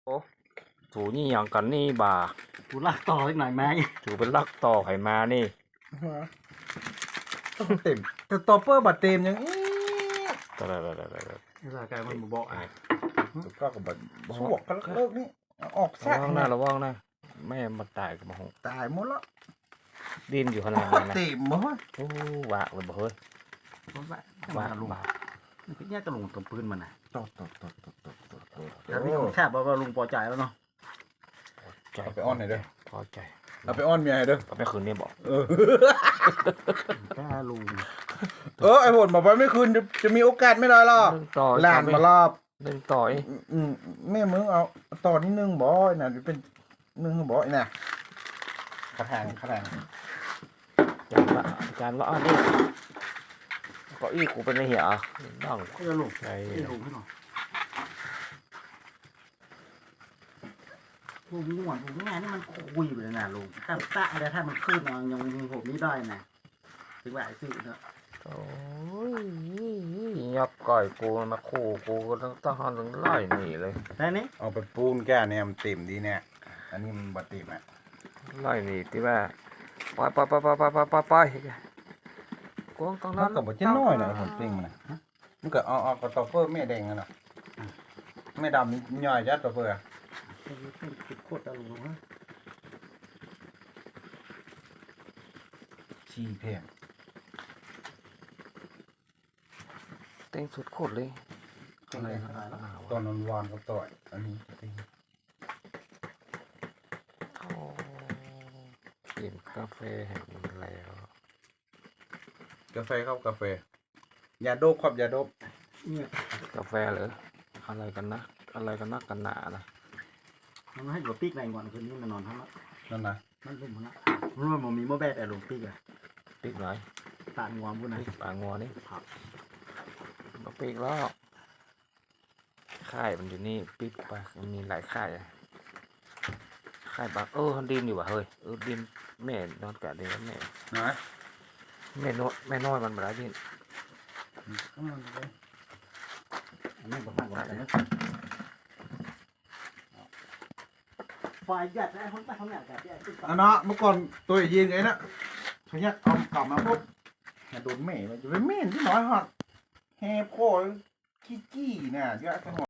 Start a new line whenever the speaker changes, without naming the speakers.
โอ้ถูนี่อย่างกันนี่บ่า
กูลากต่ออีกหน่อยไหม
ถูเป็นลักต่อไขมานี่
ต้องเต็มแต่ต่อเปอร์บัดเต็มยัง
ตะละ
นี่สายไก่มันบอกอ่ะ
ก็กับบัดสวกกันเลิกนี่ออกแซ
ระ
ก
วังนะระวังนะแม่มาตายกับมาหง
ตายหมดแล้ว
ดินอยู่ข้างล่างนะ
เต็มหมด
โอ้วะเลยบ่เฮ้ย
รถไป
วะ
ลุง
บา
นี่คือแยกกระลุงกับปืนมันนะ
ตด
แล้วนี่ผมแทบว่าลุงพอใจแล้วเนาะ
ใจ
เอาไปอ้อนหน่อยเด้อ
พอใจ
เอาไปอ้อนเมียให้เด้อ
ก็ไม่คืนเนี่ยบอก
แค่ลุง
ไอ้ผลบอกว่าไม่คืนจะมีโอกาสไม่ได้หรอก
หนึ่งต่อ
หลานมารอบ
หนึ่งต่อย
แม่มึงเอาต่อนิดนึงบ่อยน่ะเป็นนึงบ่อยน่ะกระถาง
จานละอันนี้ก็อีกูเป็นไอ้เหี้ยนั่ง
ก็จะลุง
ใจ
ให้ลุงให้หน่อยลุงนี่หวานลุงนี่ไงนี่มันคุยไปเลยนะลุงถ้าตะอะไรถ้ามันขึ้นยังผมนี่ได้นะถึงว่าไอ้ซื้อเนาะ
โอ้ยยับก่อยกูมาคู่กูก็ต้องหันถึงไล่หนีเลย
ได้นี่
เอาไปปูนแก้เนี่ยมันเต็มดีเนี่ยอันนี้มันบัดเต็มอ่ะ
ไล่หนีที่ว่าไปกวางตรง
มั
นั้น น
ก็บ่จะน้อยนะผมปิ้งมันน่ะมันก็เอากระตอเฟอร์แม่แดงกันน่ะแม่ดำย่อยยัดตอเฟอร์
เป็นโคตรตะลุงฮะ
ชีแพง
เต็งสุดโคตรเลย
อะไรแล้ว
ตอนนอนวานกับต่อยอันนี้
กินกาแฟแห่งแล้ว
กาแฟครับกาแฟยาโดบครับยาโดบ
เนี่ย
กาแฟเหรออะไรกันนะอะไรกันนักกันหนานะ
มันให้หลวงปีกในก่อนคืนนี้มันนอนทั้งนั้น
นั่นนะ
มันลุ่มมันละมันมีโมแบดแต่หลวงปีกอะ
ปีกไหน
ตาดงวมพูดนะ
ปีกปลางัวนี่มาปีกแล้วค่ายมันอยู่นี่ปีกปลามันมีหลายค่ายค่ายปลาดินอยู่ว่ะเฮ้ยดินแม่นอนกะดินแม่
นะ
แม่น้อยมันมาแล้วดิน
อันนี้บอกมากกว่ากันนะไฟยัดได้คนไปทำงานกับที่ไอ้ติ๊ก
อันเนาะเมื่อก่อนตัวยืนไงนะเขาเนี่ยเอากลับมาปุ๊บอย่าโดนแม่มันจะไปแม่นที่น้อยฮะแฮโคขี้จี้เนี่ยเยอะจัง